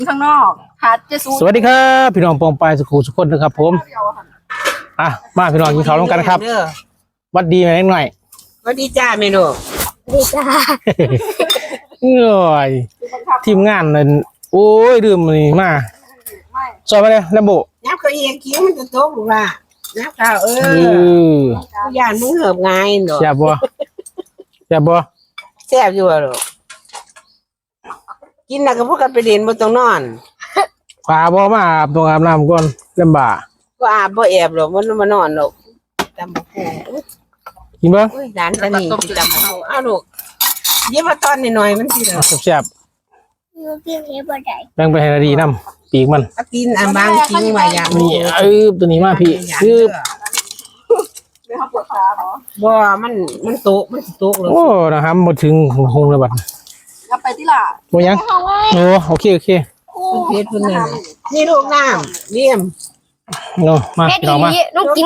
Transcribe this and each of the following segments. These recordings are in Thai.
ข้างนอกหาเจสูสวัสดีครับพี่น้องปองปายสุขุสุขคนนะครับผมมาพี่น้องกินข้าวร่วมกันครับวัดดีไหมหน่อยวัดดีจ้าเมนูดีจ้าเอ้ยทีมงานนั่นโอ้ยดื่มนี่มาซอยมาเลยแล้วโบน้ำเขาเองคิ้วมันจะโต๊ะหรือว่าน้ำข้าวย่านมึงเหิบไงเนาะแซ่บบ่แซ่บบ่แซ่บอยู่หรอกินแล้วก็พวกกันไปเรียนบนตรงนอนขวาบ่มาอาบตรงอาบน้ำก่อนลำบากก็อาบบ่แอบหรอกมันมานอนหรอกจำบ่ฮู้กินบ่ร้านตะนี่จำบ่ฮู้อ้าวลูกเย็บมาตอนหน่อยมันสิเนาะแซ่บแบ่งไปให้ดีน้ำปีกมันกินอันบางทิ้งไว้อย่างนี่ตัวนี้มาพี่ปวดขาเหรอบ่มันโต๊ะมันโต๊ะเลยโอ้นะครับหมดถึงหงระบาดกลับไปที่ล่ะโมยังโอ้โอเคเพชรเพิ่นนี่ลูกน้ำเลี่ยมโน่มาลองมาลูกกิน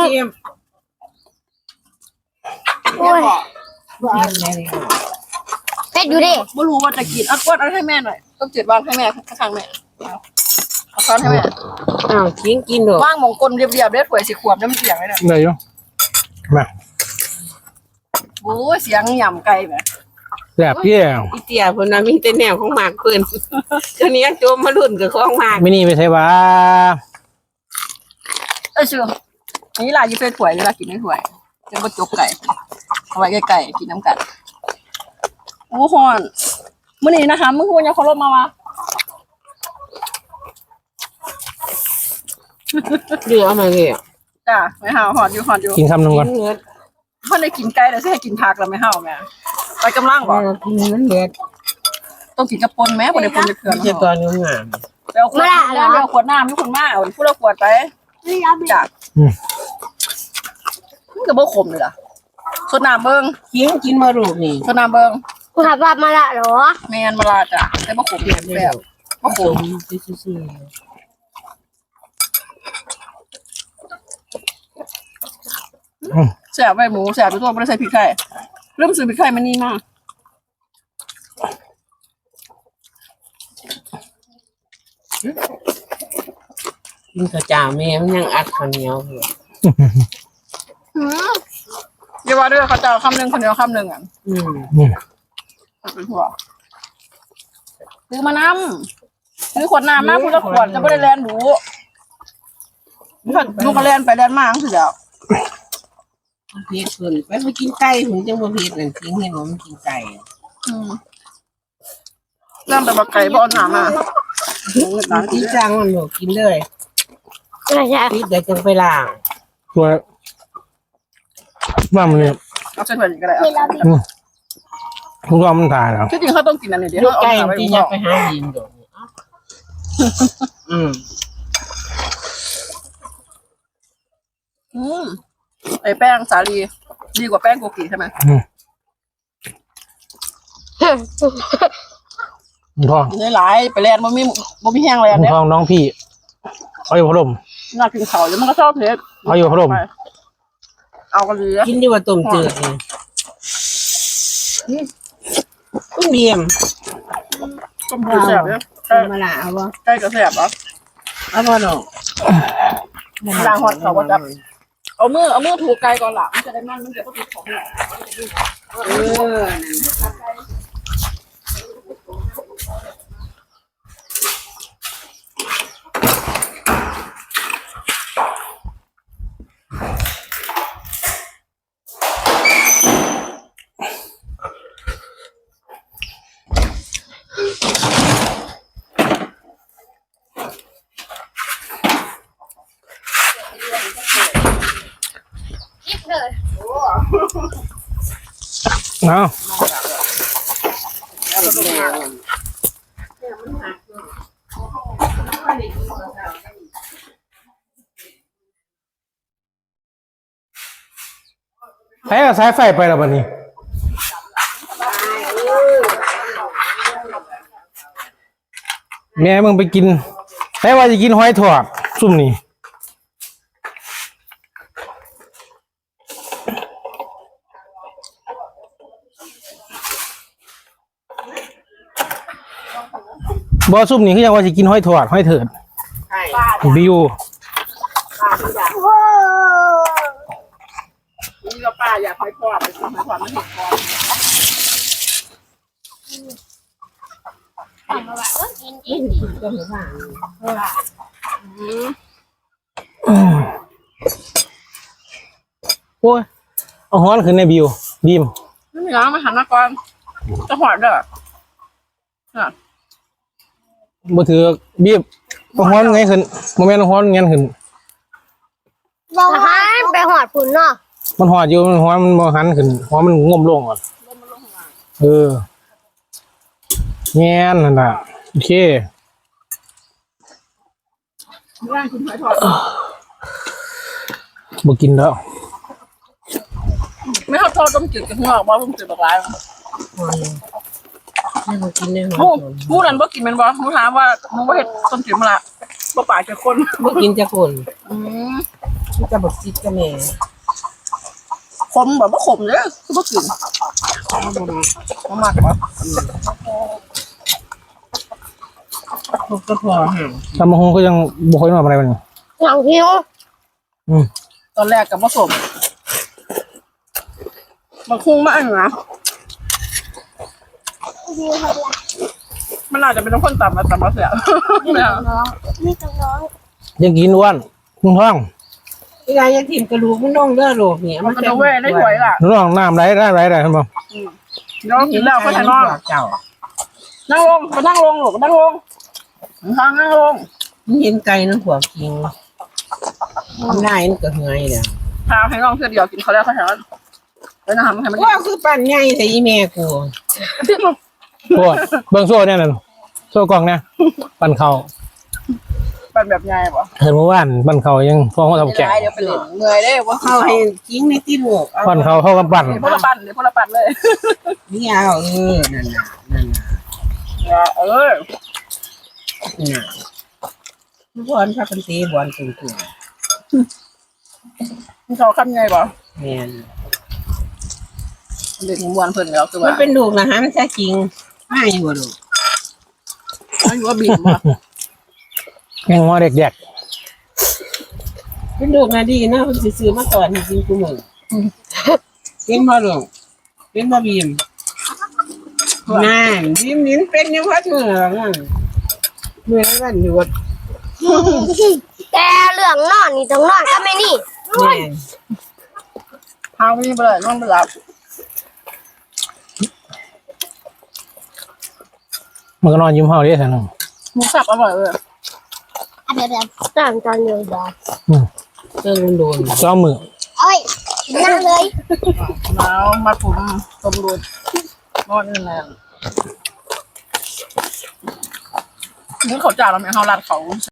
โอ้ยเพชรอยู่ดิไม่รู้ว่าจะกินเอากวดเอาให้แม่หน่อยต้องจืดวางให้แม่ข้างแม่เอาช้อนให้แม่อ้าวกินหรอว่างมงกลเรียบๆได้ถ้วยสีขวบได้มันเสียงเลยเนี่ยได้อยู่มาโอ้เสียงหย่ำไก่แบบแซ่บเยี่ยมอีเตียเพิ่นน่ะมีแต่แนวของหมากเพิ่นตัวนี้โจมมารุ่นกับของหมากไม่นี่ไปใช่ปะชื่อนี่ลายยี่เฟถ้วยนี่ลายกินไม่ถ้วยจะมาจกไก่เอาไว้ไก่กินน้ำกันโอ้ฮอนมื้อนี้นะคะมื้อคุณยังเคารพมาวะเดี๋ยวเอามาเลยจ้าไม่ห่าวหอดอยู่กินคำหนึ่งก่อนเพราะในกินไก่แต่ใช่ให้กินผักแล้วไม่ห่าวแม่ไปกำลังบอกกินมันเด็ดต้องกินกระปนแม่บ่ได้ปนจะเกลือไม่ใช่ตอนนี้งามไปเอาขวดน้ำไปเอาขวดน้ำทุกคนมาเอาพูดเอาขวดไปจ้ามันก็บ่ขมเลยล่ะสดน้ำเบิ้งกินมาลูกนี่สดน้ำเบิ้งกูถามว่ามาละเหรอแม่นมาลาจ้ะแต่บ่ขมแบบบ่ขมแสบใบหมูแสบไปตัวไม่ได้ใส่พริกไทยเริ่มซื้อพริกไทยมันนี่มากกินข้าวเจ้าแม่มันยังอัดข้าวเหนียวอยู่เดี๋ยวว่าด้วยเขาจะคำหนึ่งคนเดียวคำหนึ่งอ่ะเป็นหัวซื้อมาน้ำซื้อขวดน้ำมาพูดละขวดจะไม่ได้แลนดูลูกก็แลนไปแลนมาคือเดียวเพชรเพิ่นไปกินไก่ผมจังบ่เพชรนั่นทิ้งให้ผมกินไก่เริ่มแต่บักไก่บ่อนหนามาที่จังมันหนูกินเลยพี่เดี๋ยวจังไปล้างตัวว่ามันเนี่ยเอาเส้นแบบนี้ก็ได้คุณว่ามันตายแล้วที่จริงเขาต้องกินอันนี้เดี๋ยวไก่ที่อยากไปหาดินดอกไอแป้งสาลีดีกว่าแป้งโกกิใช่ไหมทองนี่หลายไปแลนบ่มีแห้งแลนเนี่ยทองน้องพี่เอาอยู่พัดลมน่ากินเขาแล้วมันก็ชอบเผ็ดเอาอยู่พัดลมเอากันเลยกินดีกว่าต้มจืดนี่เบียมต้มจืดแสบเนี่ยมาละเอาบ่ใกล้จะแสบเหรอเอาบ่ดอกล้างหอดเขาก็จะเอามือถูกไก่ก่อนหลังมันจะได้มันจะต้องถูกของเอาใช้สายไฟไปแล้วบัดนี้แม่มึงไปกินแต่ว่าจะกินหอยทอดซุ่มนี่ บบ่ซุ่มนี่คือยังว่าสิกินห้อยถอดห้อยเถิดใช่บิวป้าทุกอย่างนี่ก็ป้าอยากให้พ่อไปทำให้พ่อไม่เห็นพ่อไม่ถึงกินก็ไม่ว่าโอ้ยเอาฮ้อนขึ้นในบิวบีมไม่มีล้างมาหันมาก่อนจะหอดเด้อบ่ถือบีบเอาฮ้อนไงขึ้นบ่แม่นเอาฮ้อนงั้นขึ้นบอกให้ไปหอดผุนเนาะมันหอดอยู่มันฮ้อนมันบ่หันขึ้นฮ้อนมันง่มลงก่อนแง่นนั่นน่ะโอเคร่างคุณหอยทอดบ่กินแล้วไม่เขาทอดต้มจืดกับหัวบ่ต้มจืดแบบไรไม่มากินได้หรอมูนั่นบ่กินแม่นบ่มูถามว่ามูบ่เฮ็ดต้มจืดมาละบ่ปากจะคนไม่กินจะคนอืมจะบอกซิดก็แม่ขมแบบบ่ขมเด้อคือบ่กินบ่มากบ่พวกก็พอห่างตำบักหุ่งก็ยังบ่ค่อยมาอะไรมันหลังหิวตอนแรกก็บ่สมมันคุ้งมากนะมันอาจจะเป็นต้องคนต่ำมาต่ำมาเสียไม่เอานี่ต้องน้องยังกินอ้วนนุ่งท้องเวลาจะถิ่มกระดูกมันน่องเลือดโรคเนี่ยมันก็จะเว้ยได้ถวยล่ะนุ่งท้องน้ำไหลได้เห็นบ่เดี๋ยวกินแล้วก็ถ่ายนอนเจ้านั่งลงมานั่งลงหรอกนั่งลงนั่งลงมันเห็นไก่นั่งหัวกิงมันได้มันก็เหนื่อยเนี่ยพาให้น้องเพื่อเดียวกินเขาแล้วเขาแถวแล้วนะครับให้มันว่าคือปั่นใหญ่แต่อีแม่กูโอ้ยเบิ่งโซ่เนี่ยนั่นโซ่กล่องเนี่ยปั่นเขาเป็นแบบไงบ่เห็นเมื่อวานปั่นเขายังฟ้องเขาทำแกะเดี๋ยวไปเล่นเมื่อยได้ว่าเข้าให้กิ้งในที่หมวกปั่นเขาเข้ากับปั่นเดี๋ยวพลปันเดี๋ยวพลปันเลยนี่เอานั่นน่ะนั่นน่ะเออน่ะบอลพากันตีบอลตึงมันเขาคำไงบ่ๆแม่นเด็กมวนเพิ่นแล้วคือมัว่านเป็นลูกนะฮะมันแท้จริงไม่อยู่ลูกอายุว่าบีบบ่ยังงอเด็กแยกเป็นลูกนะดีนะมันซื้อมาก่อนจริงๆกูมึงเป็นพ่อลูกเป็นพ่อบีมน่าบีมนี่เป็นยังพัดมือนั่นมือแล้วกันอยู่วัดแต่เรื่องนอนนี่ต้องนอนก็ไม่นี่แม่พาไม่ไปเลยนอนไปหลับมันก็นอนยิ้มเฮาเด้ท่านนหมูสับอร่อยเลยเดี๋ยวตอนเดียวดอกเจอโดนซ้อมมือเอ้ยนั่งเลยแล้วมาผมต้มรูดนอนนั่นแหละนี่เขาจ่าเราไหมเขารัดเขา